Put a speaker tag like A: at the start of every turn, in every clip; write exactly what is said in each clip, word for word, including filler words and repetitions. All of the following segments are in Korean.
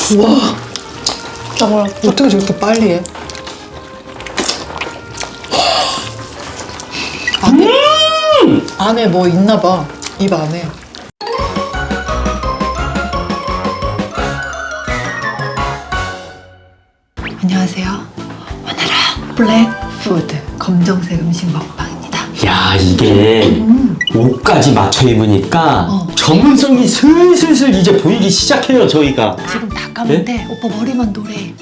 A: 우와,
B: 너무
A: 어떻게 저렇게 빨리 해? 안에,
C: 음!
A: 안에 뭐 있나 봐. 입 안에. 안녕하세요. 오늘은 블랙푸드 검정색 음식 먹방입니다.
C: 야, 이게
A: 음.
C: 옷까지 맞춰 입으니까
A: 어.
C: 전문성이 슬슬슬 이제 보이기 시작해요, 저희가.
A: 지금 다 까만데 오빠 머리만 노래.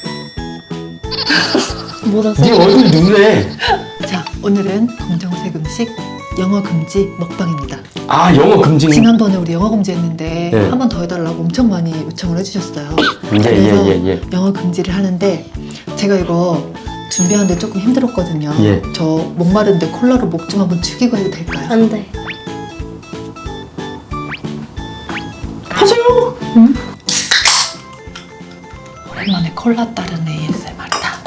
B: 뭐라
C: 네 얼굴 누래.
A: 자, 오늘은 검정색 음식 영어 금지 먹방입니다.
C: 아, 영어 금지.
A: 지난번에 우리 영어 금지했는데
C: 네.
A: 한 번 더 해달라고 엄청 많이 요청을 해주셨어요.
C: 예,
A: 그래서
C: 예, 예, 예.
A: 영어 금지를 하는데 제가 이거 준비하는데 조금 힘들었거든요.
C: 예.
A: 저 목마른데 콜라로 목 좀 한번 축이고 해도 될까요?
B: 안 돼.
A: 하세요! 응? 오랜만에 콜라 따른 에이에스엠알이다.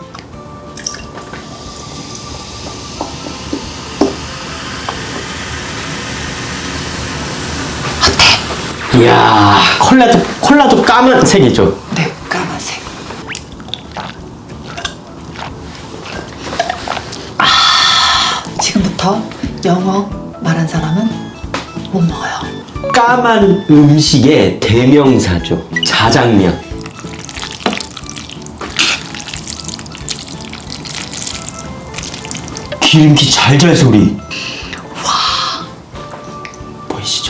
C: 이야, 콜라도, 콜라도 까만색이죠.
A: 네, 까만색. 아, 지금부터 영어 말한 사람은 못 먹어요.
C: 까만 음식의 대명사죠. 자장면. 기름기 잘잘 소리. 와. 보이시죠?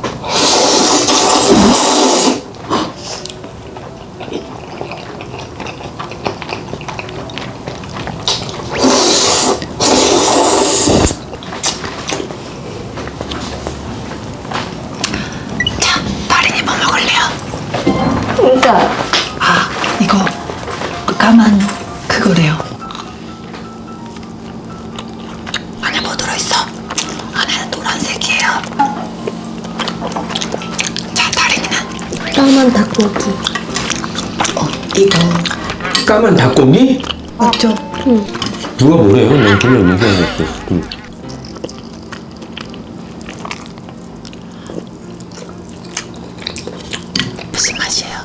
A: 자, 다린이 뭐 먹을래요?
B: 그러니까
A: 아, 이거 까만 그거래요. 안에 뭐 들어있어? 안에는 노란색이에요. 자, 다린이는
B: 까만 닭고기.
A: 어, 이거
C: 까만 닭고기?
A: 맞죠?
B: 응.
C: 누가 뭐래요? 난 별로 못 생각했어. 음.
A: 무슨 맛이에요?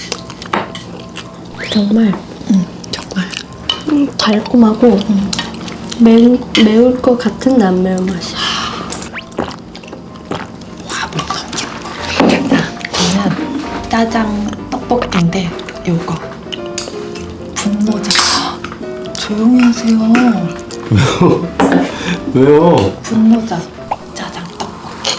B: 정말
A: 응, 정말.
B: 음, 달콤하고 매우, 매울 것 같은데 안 매운 맛이야.
A: 와, 못 넘기는 거. 자, 저는 짜장 떡볶이인데 요거 분모자. 조용히 하세요.
C: 왜요?
A: 분모자 짜장 떡볶이.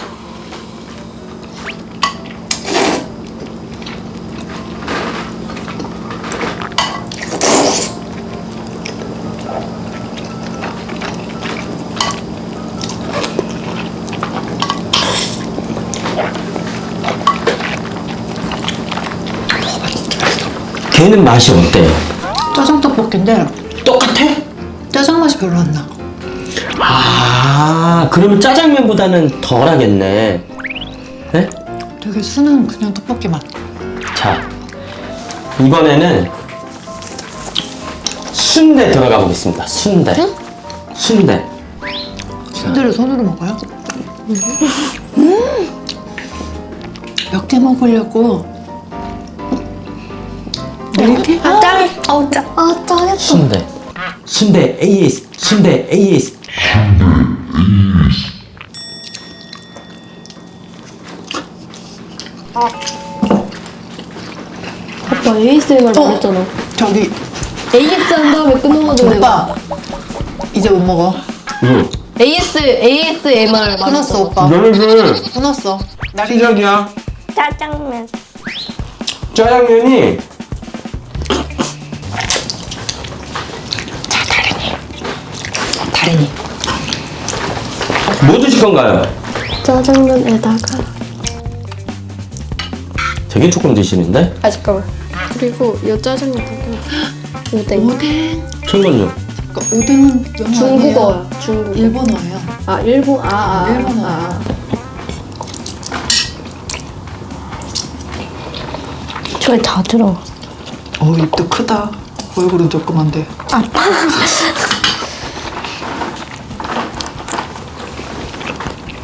C: 걔는 맛이 어때요?
A: 짜장 떡볶이인데
C: 똑같아?
A: 짜장 맛이 별로 안 나.
C: 아, 그러면 짜장면보다는 덜 하겠네. 네?
A: 되게 순한 그냥 떡볶이 맛.
C: 자, 이번에는 순대 들어가 보겠습니다. 순대.
B: 응?
C: 순대.
A: 순대를 손으로 먹어요? 음! 몇 개 먹으려고. 이렇게?
B: 아, 짱! 아우, 짱! 아, 짱했다.
C: 순대. 순대 에이에스. 순대 에이에스.
B: 오빠 에이에스엠알
A: 어?
B: 말했잖아.
A: 저기
B: 에이에스 한 다음에 끊어가지고 내가.
A: 오빠 이제 못 먹어.
C: 응.
B: 에이에스, 에이에스엠알
A: 끊었어 오빠.
C: 너네들
A: 끊었어. 나리
C: 시작이야.
B: 짜장면.
C: 짜장면이
A: 자, 다린이. 다린이.
C: 뭐 드실 건가요?
B: 짜장면에다가.
C: 되게 조금 드시는데?
B: 아, 잠깐만. 그리고 요 짜장면에다가 오뎅.
A: 오뎅.
C: 잠깐만요.
A: 그러니까 오뎅은 영어 아니에요.
B: 중국어야, 중국어.
A: 일본어예요.
B: 아, 일본, 아, 아.
A: 일본어.
B: 아. 저에 다 들어.
A: 어, 입도 크다. 얼굴은 조그만데.
B: 아파.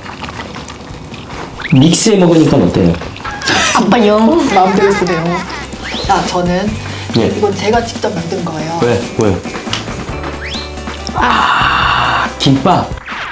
C: 믹스해 먹으니까 어때요?
B: 아빠 영.
A: 마음대로 쓰네요. 아, 저는
C: 예.
A: 이건 제가 직접 만든 거예요.
C: 왜? 뭐요? 아, 김밥.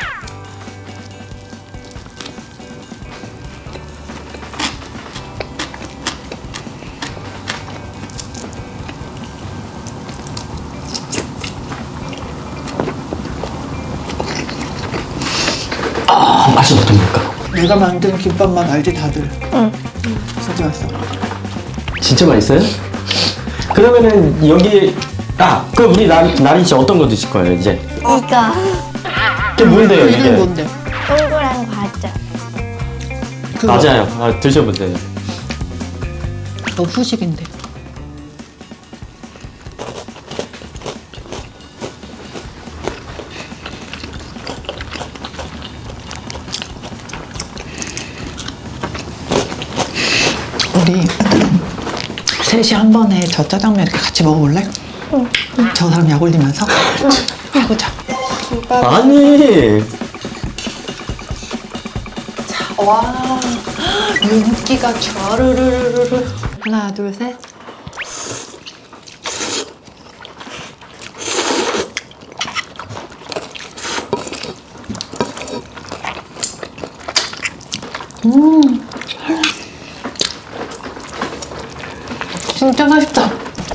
C: 아, 맛이 어떻습니까?
A: 내가 만든 김밥만 알지 다들.
B: 응.
A: 진짜 맛있어.
C: 진짜 맛있어요? 그러면은 여기 아, 그 우리 나, 나린 씨 어떤 거 드실 거예요 이제?
B: 이거
C: 이게 뭔데요 이게?
A: 이건 뭔데?
B: 동그란 과자.
A: 그거.
C: 맞아요. 아, 드셔보세요.
A: 너 후식인데. 우리 셋이 한 번에 저 짜장면 이렇게 같이 먹어볼래? 응. 저 사람 약 올리면서 해보자.
C: 아니.
A: 와, 윤기가 좌르르르르. 하나, 둘, 셋. 음, 진짜 맛있다.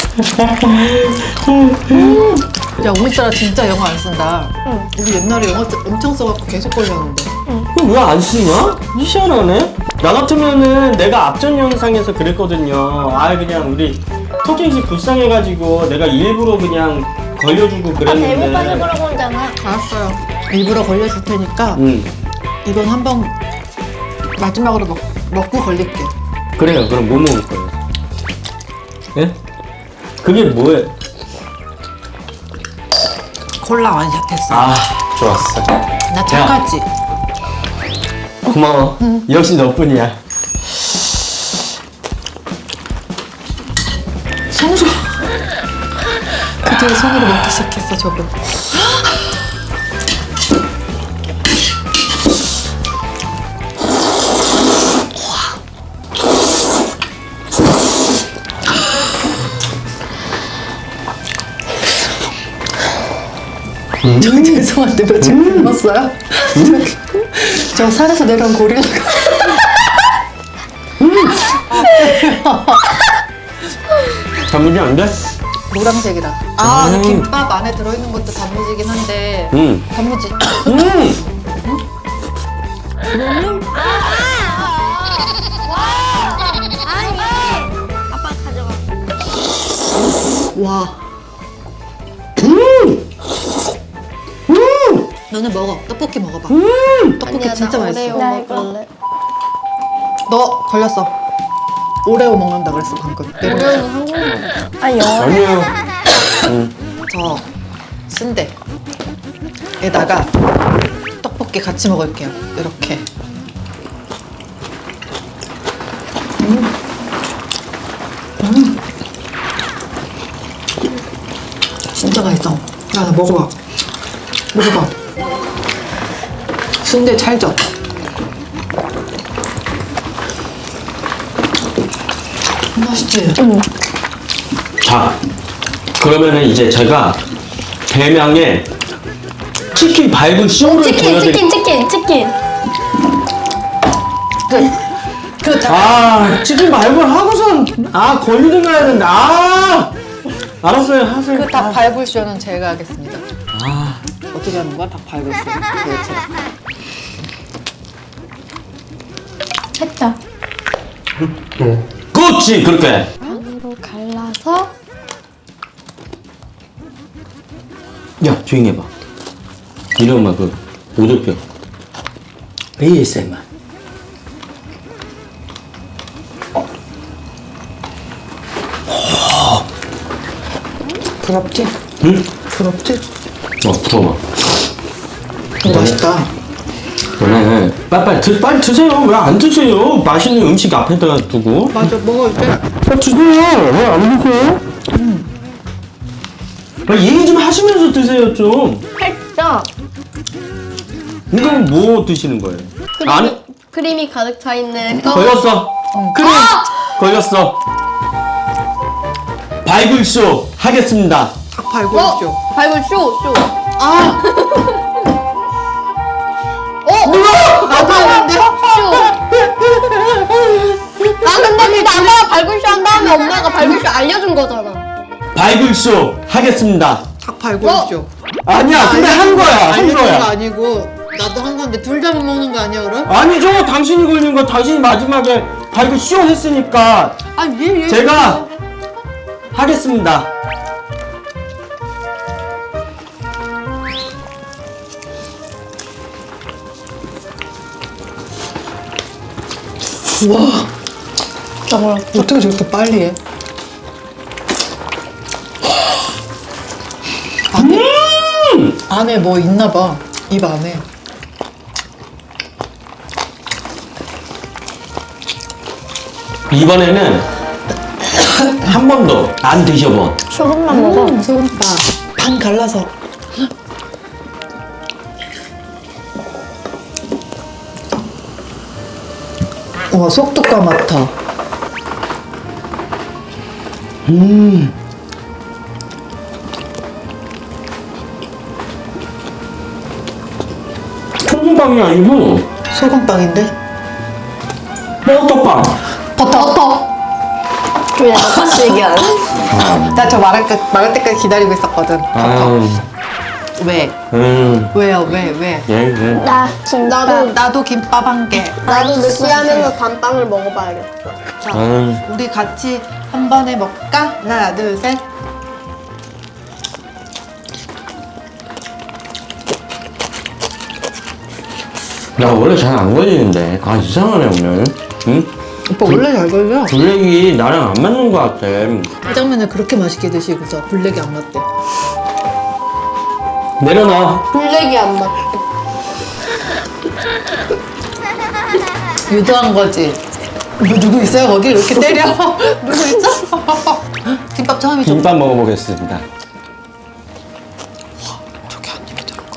A: 음. 야, 오늘따라 진짜 영어 안 쓴다.
B: 응.
A: 우리 옛날에 영어 엄청 써갖고 계속 걸렸는데.
C: 왜 안 쓰냐? 희한하네. 나 같으면은 내가 앞전 영상에서 그랬거든요. 아, 그냥 우리 토킹씨 불쌍해가지고 내가 일부러 그냥 걸려주고 그랬는데.
B: 대못하게 그러고 온잖아.
A: 알았어요. 일부러 걸려줄 테니까
C: 응.
A: 이건 한번 마지막으로 먹, 먹고 걸릴게.
C: 그래요. 그럼 뭐 먹을 거예요? 예? 그게 뭐예요?
A: 콜라 완샷 했어.
C: 아, 좋았어.
A: 나 착하지?
C: 고마워. 역시 너뿐이야.
A: 손으로. 그대로 손으로 먹기 시작했어, 저거. 저 죄송한데 며칠 굶었어요? 저 산에서 내려온 고릴라가
C: 단무지 안 돼?
A: 노란색이다. 아,
C: 음.
A: 근데 김밥 안에 들어있는 것도 단무지긴 한데
C: 응.
A: 단무지.
C: 음.
B: 아빠 가져가.
A: 와. 너는 먹어. 떡볶이 먹어봐. 떡볶이 진짜 맛있어.
B: 나 이거.
A: 너 걸렸어. 오레오 먹는다 그랬어 방금.
B: 오레오는 한국말. 아 영어.
C: 아니에요. 응.
A: 저 순대에다가 떡볶이 같이 먹을게요. 이렇게. 음. 음. 진짜 맛있어. 야, 나 먹어봐. 먹어봐. 순대 찰져. 맛있지?
B: 응.
C: 자, 그러면은 이제 제가 대명의 치킨 발굴 쇼를
B: 치킨
C: 보여드릴.
B: 치킨 치킨 치킨.
A: 그, 그, 자,
C: 아, 치킨 발굴 하고선 아 걸리는 거 해야 된다. 아, 알았어요, 하세요.
A: 그 닭 발굴쇼는 제가 하겠습니다.
C: 아,
A: 어떻게 하는 거야? 닭 발굴쇼. 도대체.
B: 했다.
C: 그렇지, 그렇게.
B: 반으로 갈라서.
C: 야, 조용히 해봐. 이놈아 그 오돌뼈. 에이에스엠알.
A: 부럽지?
C: 응?
A: 부럽지?
C: 어, 부러워.
A: 이거 맛있다.
C: 네, 빨리 드, 빨리 드세요. 왜 안 드세요? 맛있는 음식 앞에다 두고.
A: 맞아, 먹어볼게.
C: 빨리 드세요. 왜 안 드세요? 음. 얘기 좀 하시면서 드세요 좀.
B: 했어.
C: 이건 뭐 드시는 거예요?
B: 크림이
C: 아니,
B: 크림이 가득 차 있는 떡.
C: 걸렸어. 그래, 걸렸어. 발굴쇼 하겠습니다.
A: 닭 발굴쇼.
B: 어? 발굴 쇼, 쇼.
A: 아!
B: 어?
A: 나도 하는데?
B: 쇼. 아, 근데 그때 아빠가 발굴쇼 한 다음에 엄마가 발굴쇼 알려준 거잖아.
C: 발굴쇼 하겠습니다.
A: 닭 발굴쇼.
C: 아니야, 근데 한 거야, 한
A: 알려준 거
C: 거야.
A: 아니고 나도 한 건데 둘 다 못 먹는 거 아니야 그럼?
C: 아니죠, 당신이 걸린 거 당신이 마지막에 발굴쇼 했으니까
A: 아니 얘 얘.
C: 제가 하겠습니다.
A: 와. 어떻게 저렇게 빨리 해? 안에
C: 음!
A: 안에 뭐 있나 봐. 입 안에.
C: 이번에는 한 번도 안 드셔본
B: 소금만 먹어.
A: 음, 소금빵. 반 갈라서. 와 속도가 맡아.
C: 음. 소금빵이 아니고
A: 소금빵인데?
C: 버터빵.
A: 버터. 버터.
B: 왜 같이 얘기하는?
A: 나 저 말할 때 말할 때까지 기다리고 있었거든.
C: 아,
A: 왜?
C: 음,
A: 왜요? 왜? 왜?
C: 예, 예.
B: 나 김밥.
A: 나도 나도 김밥 한 개.
B: 나도 느끼하면서 단빵을 먹어봐야겠다.
A: 자,
C: 음.
A: 우리 같이 한 번에 먹을까? 하나, 둘, 셋.
C: 나 원래 잘 안 걸리는데. 아, 이상하네, 오늘. 응?
A: 오빠 원래 잘 걸려.
C: 블랙이 나랑 안 맞는 것 같아.
A: 짜장면을 그렇게 맛있게 드시고서 블랙이 안 맞대.
C: 내려놔.
B: 블랙이 안 맞대.
A: 유도한 거지. 뭐 누구 있어요 거기 이렇게 때려? 누구 있어? 김밥 처음이죠.
C: 김밥 먹어보겠습니다.
A: 저게 한 입에 들어가.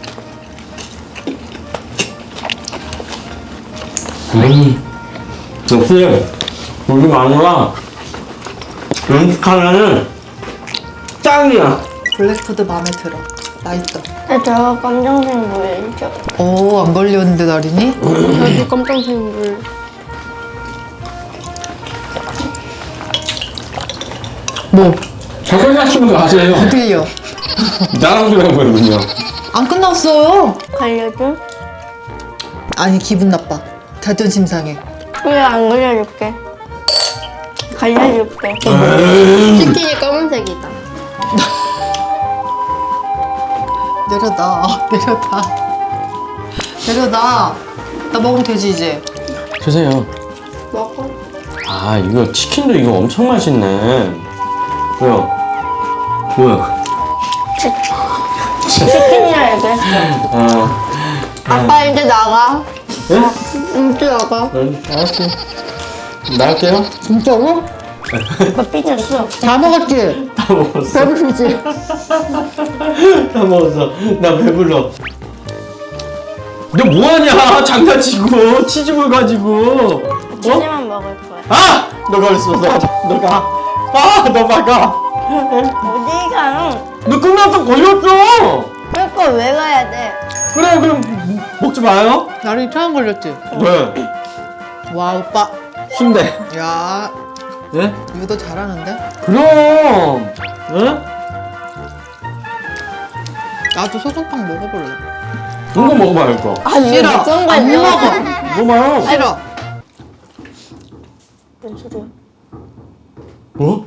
C: 음, 역시 우리 마누라 음식 하나는 짱이야.
A: 블랙푸드 마음에 들어. 맛있어.
B: 저 검정색 물이죠.
A: 오, 안 걸렸는데 나린이?
B: 저도 검정색 물.
A: 뭐?
C: 저걸 마시면 가세요.
A: 어디요?
C: 나랑 그러고요.
A: 안 끝났어요.
B: 갈려줘?
A: 아니 기분 나빠. 자존심 상해.
B: 왜 안 갈려줄게? 갈려줄게. 치킨이 검은색이다.
A: 내려놔. 내려놔. 내려놔. 나 먹으면 되지 이제.
C: 주세요.
B: 먹어.
C: 아, 이거 치킨도 이거 엄청 맛있네. 뭐야? 뭐야?
B: 치킨이라 얘기했어.
C: 아,
B: 아빠 이제 나가.
C: 예?
B: 이제 나가.
C: 응, 알았어. 나갈게요.
A: 진짜로?
B: 아빠 삐졌어.
A: 다 먹었지?
C: 다 먹었어.
A: 배부르지?
C: 다 먹었어. 나 배불러. 너 뭐하냐? 장난치고 치즈볼 가지고. 어?
B: 치즈만 먹을 거야.
C: 아! 너가 그랬어. 너, 너가. 아! 너 막아.
B: 어디가?
C: 너 끝나서 걸렸어.
B: 그러니까 왜 가야 돼?
C: 그래, 그럼 먹지 마요.
A: 나린이 처음 걸렸지?
C: 왜?
A: 와 오빠.
C: 순대.
A: 야
C: 예?
A: 유도 잘하는데?
C: 그럼. 예?
A: 나도 소금빵 먹어볼래.
C: 이거 먹어봐, 이거.
B: 아니
A: 싫어.
B: 무슨
A: 안
B: 거야?
A: 먹어.
C: 먹어봐요.
A: 싫어.
B: 뭔 소리야?
C: 뭐?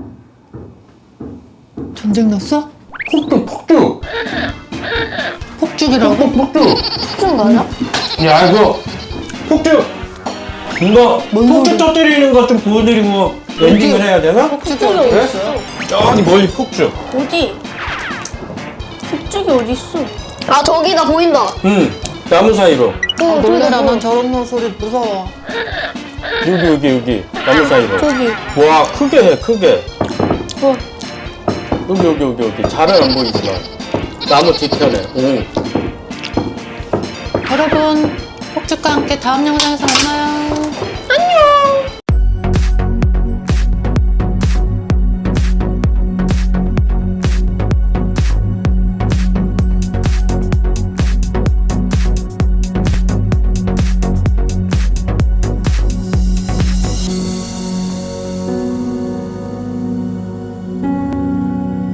A: 전쟁 났어?
C: 폭죽, 폭죽.
A: 폭죽이라고?
C: 폭죽.
B: 무슨 거야?
C: 야, 이거 폭죽. 이거
A: 뭔
C: 폭죽
A: 소리?
C: 터뜨리는 것 좀 보여드리고 엔딩을 해야 되나?
A: 폭죽이
B: 폭죽이
A: 어디
B: 어디
A: 있어?
B: 있어?
C: 저기 멀리 폭죽.
B: 어디? 폭죽이 어디 있어? 아 저기다 보인다.
C: 응. 나무 사이로.
A: 아, 놀래라 난 저런 모습이 무서워.
C: 여기, 여기, 여기. 나무 사이로.
B: 저기.
C: 와, 크게 해, 크게.
B: 뭐?
C: 여기, 여기, 여기, 여기. 잘은 안 보이지만. 나무 뒤편에. 응.
A: 여러분 폭죽과 함께 다음 영상에서 만나요.